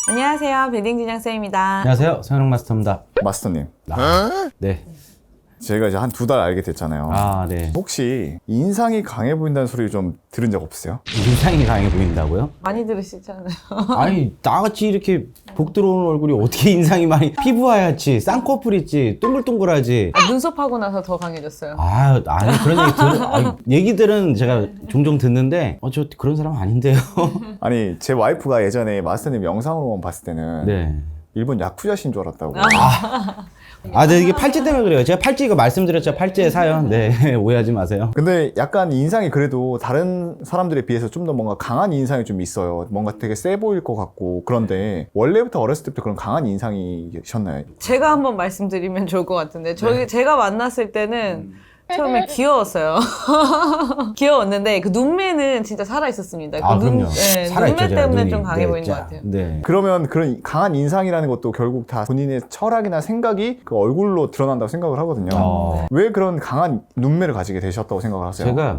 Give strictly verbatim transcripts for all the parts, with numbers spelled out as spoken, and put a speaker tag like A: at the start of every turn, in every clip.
A: 안녕하세요. 베딩진양쌤입니다.
B: 안녕하세요. 서현웅 마스터입니다.
C: 마스터님,
B: 아, 네.
C: 제가 이제 한 두 달 알게 됐잖아요.
B: 아, 네.
C: 혹시 인상이 강해 보인다는 소리 좀 들은 적 없으세요?
B: 인상이 강해 보인다고요?
A: 많이 들으시잖아요.
B: 아니, 나같이 이렇게 복 들어오는 얼굴이 어떻게 인상이 많이 피부 하얗지, 쌍꺼풀 있지, 동글동글하지.
A: 아, 눈썹하고 나서 더 강해졌어요.
B: 아, 아니 그런 얘기 들, 아니, 얘기들은 제가 종종 듣는데, 어, 저 그런 사람 아닌데요.
C: 아니, 제 와이프가 예전에 마스터님 영상으로만 봤을 때는
B: 네.
C: 일본 야쿠자신 줄 알았다고.
B: 아, 네, 이게 팔찌 때문에 그래요. 제가 팔찌 이거 말씀드렸죠. 팔찌의 사연. 네, 오해하지 마세요.
C: 근데 약간 인상이 그래도 다른 사람들에 비해서 좀 더 뭔가 강한 인상이 좀 있어요. 뭔가 되게 세 보일 것 같고. 그런데 원래부터 어렸을 때부터 그런 강한 인상이셨나요?
A: 제가 한번 말씀드리면 좋을 것 같은데 저희
B: 네.
A: 제가 만났을 때는 처음에 귀여웠어요. 귀여웠는데 그 눈매는 진짜 살아 있었습니다. 그
B: 아,
A: 눈,
B: 그럼요.
A: 네,
B: 살아있죠,
A: 눈매
B: 제가
A: 때문에
B: 눈이.
A: 좀 강해
B: 네,
A: 보이는
B: 자,
A: 것 같아요.
B: 네.
C: 그러면 그런 강한 인상이라는 것도 결국 다 본인의 철학이나 생각이 그 얼굴로 드러난다고 생각을 하거든요.
B: 어.
C: 왜 그런 강한 눈매를 가지게 되셨다고 생각을 하세요?
B: 제가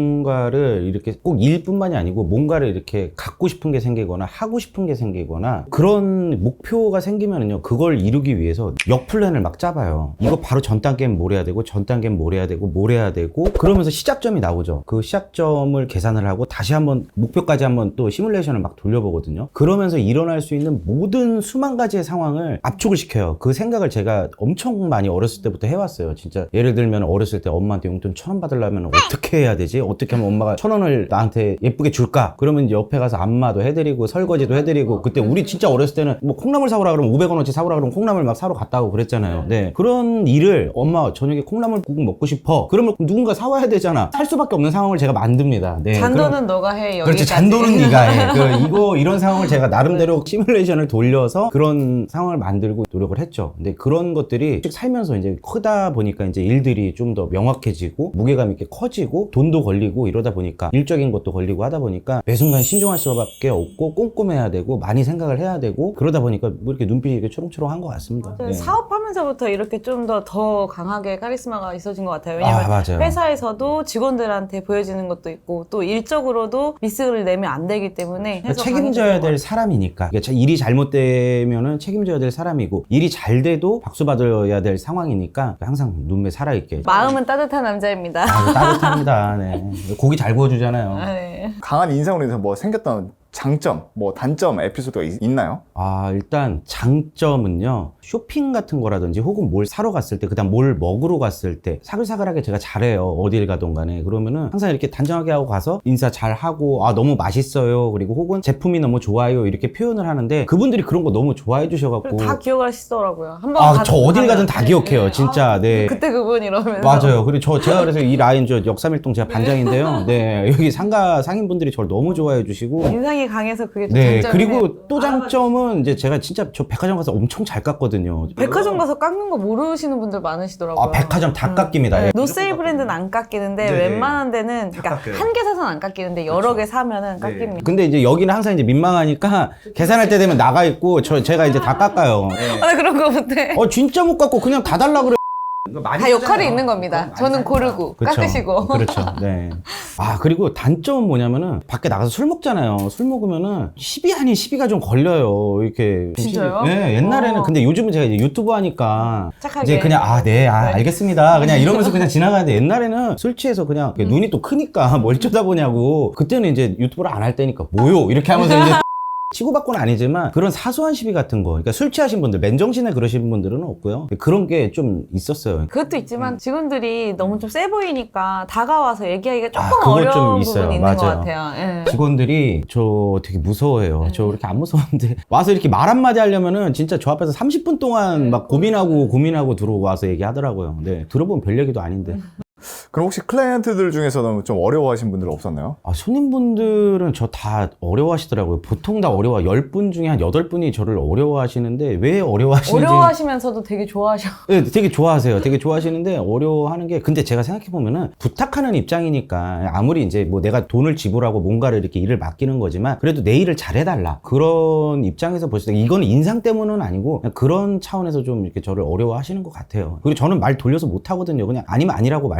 B: 뭔가를 이렇게 꼭 일뿐만이 아니고 뭔가를 이렇게 갖고 싶은 게 생기거나 하고 싶은 게 생기거나 그런 목표가 생기면은요, 그걸 이루기 위해서 역플랜을 막 짜봐요. 이거 바로 전 단계는 뭘 해야 되고 전 단계는 뭘 해야 되고 뭘 해야 되고 그러면서 시작점이 나오죠. 그 시작점을 계산을 하고 다시 한번 목표까지 한번 또 시뮬레이션을 막 돌려보거든요. 그러면서 일어날 수 있는 모든 수만 가지의 상황을 압축을 시켜요. 그 생각을 제가 엄청 많이 어렸을 때부터 해왔어요. 진짜 예를 들면 어렸을 때 엄마한테 용돈 천 원 받으려면 어떻게 해야 되지? 어떻게 하면 엄마가 천 원을 나한테 예쁘게 줄까? 그러면 이제 옆에 가서 안마도 해드리고 설거지도 해드리고 그때 우리 진짜 어렸을 때는 뭐 콩나물 사오라 그러면 오백 원어치 사오라 그러면 콩나물 막 사러 갔다 고 그랬잖아요. 네. 그런 일을 엄마 저녁에 콩나물국 먹고 싶어. 그러면 누군가 사와야 되잖아. 살 수밖에 없는 상황을 제가 만듭니다. 네.
A: 잔도는
B: 그럼,
A: 너가 해. 여기까지.
B: 그렇죠. 잔도는 네가 해. 그 이거 이런 상황을 제가 나름대로 시뮬레이션을 돌려서 그런 상황을 만들고 노력을 했죠. 근데 그런 것들이 살면서 이제 크다 보니까 이제 일들이 좀 더 명확해지고 무게감 있게 커지고 돈도 걸리고 이러다 보니까 일적인 것도 걸리고 하다 보니까 매 순간 신중할 수밖에 없고 꼼꼼해야 되고 많이 생각을 해야 되고 그러다 보니까 뭐 이렇게 눈빛이 이렇게 초롱초롱한 것 같습니다. 네.
A: 사업하면서부터 이렇게 좀 더 더 강하게 카리스마가 있어진 것 같아요. 왜냐면
B: 아, 맞아요.
A: 회사에서도 직원들한테 보여지는 것도 있고 또 일적으로도 미스를 내면 안 되기 때문에
B: 그러니까
A: 해서
B: 책임져야
A: 강해지는 것
B: 될 사람이니까. 그러니까 일이 잘못되면은 책임져야 될 사람이고 일이 잘 돼도 박수 받아야 될 상황이니까 항상 눈매 살아있게.
A: 마음은 따뜻한 남자입니다.
B: 아, 따뜻합니다. 네. 고기 잘 구워주잖아요.
A: 아, 네.
C: 강한 인상으로 인해서 뭐 생겼던 장점, 뭐 단점 에피소드가 있, 있나요?
B: 아, 일단 장점은요, 쇼핑 같은 거라든지 혹은 뭘 사러 갔을 때, 그 다음 뭘 먹으러 갔을 때 사글사글하게 제가 잘해요. 어딜 가든 간에. 그러면은 항상 이렇게 단정하게 하고 가서 인사 잘 하고, 아, 너무 맛있어요. 그리고 혹은 제품이 너무 좋아요. 이렇게 표현을 하는데 그분들이 그런 거 너무 좋아해 주셔갖고.
A: 그리고 다 기억하시더라고요. 한번
B: 아, 저 어딜 가든 다 기억해요. 진짜. 네.
A: 그때 그분 이러면서.
B: 맞아요. 그리고 저, 제가 그래서 이 라인 저 역삼일동 제가 반장인데요. 네. 여기 상가 상인분들이 저를 너무 좋아해 주시고.
A: 인상이 강해서 그게 좀
B: 네.
A: 장점이네요.
B: 그리고 또 장점은 이제 제가 진짜 저 백화점 가서 엄청 잘 깎거든요.
A: 백화점 가서 깎는 거 모르시는 분들 많으시더라고요.
B: 아, 백화점 다 깎입니다.
A: 네.
B: 예.
A: 노세일 브랜드는 안 깎이는데
B: 네.
A: 웬만한 데는 그러니까
C: 깎여요.
A: 한 개 사서는 안 깎이는데 여러 개 사면은 깎입니다.
B: 근데 이제 여기는 항상 이제 민망하니까 계산할 때 되면 나가 있고 저 제가 이제 다 깎아요.
A: 아, 나 그런 거 못해.
B: 어 진짜 못 깎고 그냥 다 달라 그래.
A: 다 역할이 있는 겁니다. 저는 고르고
B: 그쵸.
A: 깎으시고.
B: 그렇죠. 네. 아, 그리고 단점은 뭐냐면은 밖에 나가서 술 먹잖아요. 술 먹으면은 십이 아닌 시비가 좀 걸려요. 이렇게.
A: 진짜요?
B: 네, 옛날에는.
A: 어.
B: 근데 요즘은 제가 이제 유튜브 하니까
A: 착하게.
B: 이제 그냥 아, 네, 아,
A: 네.
B: 알겠습니다. 그냥 이러면서 그냥 지나가는데 옛날에는 술 취해서 그냥
A: 음.
B: 눈이 또 크니까 뭘 쳐다보냐고. 그때는 이제 유튜브를 안 할 때니까 뭐요? 이렇게 하면서 이제 치고받고는 아니지만 그런 사소한 시비 같은 거, 그러니까 술 취하신 분들, 맨정신에 그러신 분들은 없고요. 그런 게 좀 있었어요.
A: 그것도 있지만 직원들이 너무 좀 세 보이니까 다가와서 얘기하기가 조금
B: 아, 그거
A: 어려운
B: 좀
A: 부분이
B: 있어요.
A: 있는
B: 맞아요.
A: 것 같아요. 예.
B: 직원들이 저 되게 무서워해요.
A: 네.
B: 저 그렇게 안 무서운데 와서 이렇게 말 한마디 하려면은 진짜 저 앞에서 삼십 분 동안 막 고민하고 고민하고 들어와서 얘기하더라고요. 네, 들어보면 별 얘기도 아닌데.
C: 그럼 혹시 클라이언트들 중에서는 좀 어려워하신 분들 없었나요?
B: 아, 손님분들은 저 다 어려워하시더라고요. 보통 다 어려워. 열 분 중에 한 여덟 분이 저를 어려워하시는데 왜 어려워하시는지.
A: 어려워하시면서도 되게 좋아하셔.
B: 네, 되게 좋아하세요. 되게 좋아하시는데 어려워하는 게 근데 제가 생각해보면은 부탁하는 입장이니까 아무리 이제 뭐 내가 돈을 지불하고 뭔가를 이렇게 일을 맡기는 거지만 그래도 내 일을 잘해달라. 그런 입장에서 보실 때 이거는 인상 때문은 아니고 그냥 그런 차원에서 좀 이렇게 저를 어려워하시는 것 같아요. 그리고 저는 말 돌려서 못하거든요. 그냥 아니면 아니라고 말씀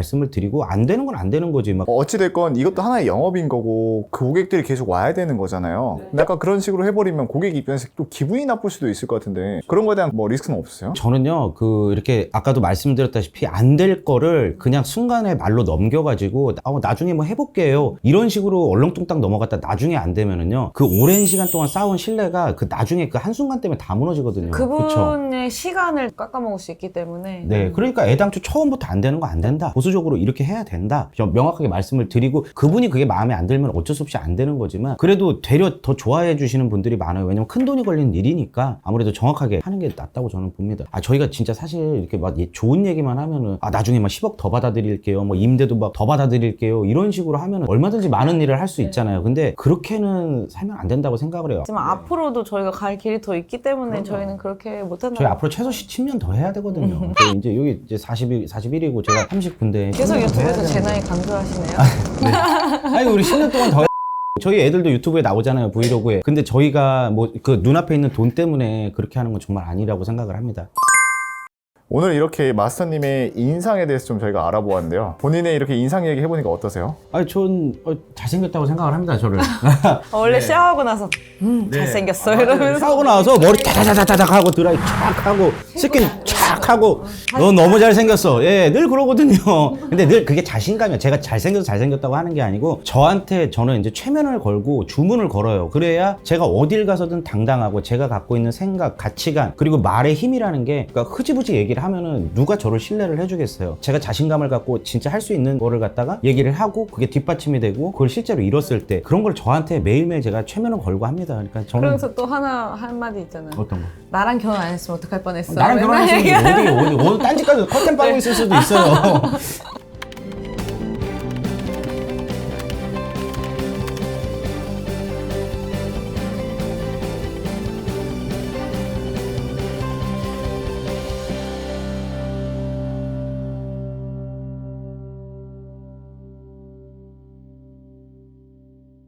B: 말씀을 드리고 안 되는 건 안 되는 거지. 막
C: 어, 어찌됐건 이것도 하나의 영업인 거고 그 고객들이 계속 와야 되는 거잖아요. 근데 약간 그런 식으로 해버리면 고객 입장에서 또 기분이 나쁠 수도 있을 것 같은데 그런 거에 대한 뭐 리스크는 없으세요?
B: 저는요, 그, 이렇게, 아까도 말씀드렸다시피, 안 될 거를 그냥 순간에 말로 넘겨가지고, 아, 나중에 뭐 해볼게요. 이런 식으로 얼렁뚱땅 넘어갔다 나중에 안 되면은요, 그 오랜 시간 동안 쌓아온 신뢰가 그 나중에 그 한순간 때문에 다 무너지거든요. 그쵸?
A: 그분의 시간을 깎아먹을 수 있기 때문에.
B: 네, 그러니까 애당초 처음부터 안 되는 거 안 된다. 보수적으로 이렇게 해야 된다. 좀 명확하게 말씀을 드리고, 그분이 그게 마음에 안 들면 어쩔 수 없이 안 되는 거지만, 그래도 되려 더 좋아해 주시는 분들이 많아요. 왜냐면 큰 돈이 걸리는 일이니까 아무래도 정확하게 하는 게 낫다고 저는 봅니다. 아, 저희가 진짜 사실 이렇게 막 예- 좋은 얘기만 하면은, 아, 나중에 막 십억 더 받아드릴게요. 뭐 임대도 막 더 받아드릴게요. 이런 식으로 하면은 얼마든지 많은 일을 할 수 있잖아요. 근데 그렇게는 살면 안 된다고 생각을 해요.
A: 하지만 앞으로도 저희가 갈 길이 더 있기 때문에 저희는 그렇게 못한다고.
B: 저희 앞으로 최소 십 년 더 해야 되거든요. 저희 이제 여기 이제 사십, 사십일이고 제가 삼십구인데
A: 계속 유튜브에서 제 나이 강조하시네요.
B: 아니 우리 십 년 동안 더 저희 애들도 유튜브에 나오잖아요, 브이로그에. 근데 저희가 뭐 그 눈앞에 있는 돈 때문에 그렇게 하는 건 정말 아니라고 생각을 합니다.
C: 오늘 이렇게 마스터님의 인상에 대해서 좀 저희가 알아보았는데요. 본인의 이렇게 인상 얘기 해보니까 어떠세요?
B: 아니 전 어, 잘생겼다고 생각을 합니다, 저를.
A: 원래 샤워하고 나서 음 잘생겼어 이러면서
B: 하고 나서 머리 타다다다닥 하고 드라이 촥 하고 스킨 촥 하고 너 너무 잘생겼어. 예, 늘 그러거든요. 근데 늘 그게 자신감이야. 제가 잘생겨서 잘생겼다고 하는 게 아니고 저한테 저는 이제 최면을 걸고 주문을 걸어요. 그래야 제가 어딜 가서든 당당하고 제가 갖고 있는 생각, 가치관 그리고 말의 힘이라는 게 그러니까 흐지부지 얘기를 하면은 누가 저를 신뢰를 해주겠어요. 제가 자신감을 갖고 진짜 할 수 있는 거를 갖다가 얘기를 하고 그게 뒷받침이 되고 그걸 실제로 이뤘을 때 그런 걸 저한테 매일매일 제가 최면을 걸고 합니다. 그러니까 저는
A: 그러면서 또 하나 한마디 있잖아요.
B: 어떤 거?
A: 나랑 결혼 안 했으면 어떡할 뻔했어.
B: 나랑
A: 맨날
B: 결혼했으면
A: 얘기하는
B: 어디 어디 어디 딴짓까지 컨텐츠 빨고 있을 수도 있어요.